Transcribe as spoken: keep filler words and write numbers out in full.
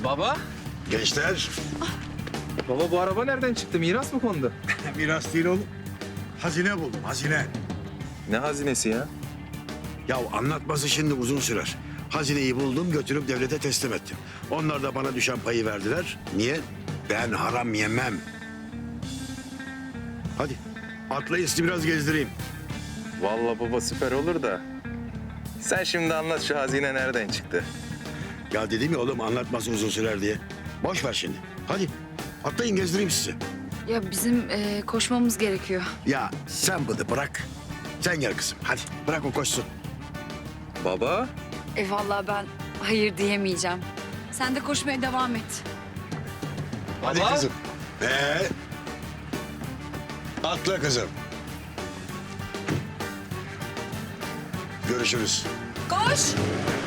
Baba? Gençler. Baba bu araba nereden çıktı? Miras mı kondu? Miras değil oğlum. Hazine buldum, hazine. Ne hazinesi ya? Ya anlatması şimdi uzun sürer. Hazineyi buldum, götürüp devlete teslim ettim. Onlar da bana düşen payı verdiler. Niye? Ben haram yemem. Hadi, atlayın sizi biraz gezdireyim. Vallahi baba süper olur da. Sen şimdi anlat şu hazine nereden çıktı? Ya dedim ya oğlum anlatması uzun sürer diye. Boş ver şimdi. Hadi, atlayın gezdireyim sizi. Ya bizim e, koşmamız gerekiyor. Ya sen bıdı bırak. Sen gel kızım, hadi bırak o koşsun. Baba? E vallahi ben hayır diyemeyeceğim. Sen de koşmaya devam et. Hadi Baba. kızım. Ee, atla kızım. Görüşürüz. Koş!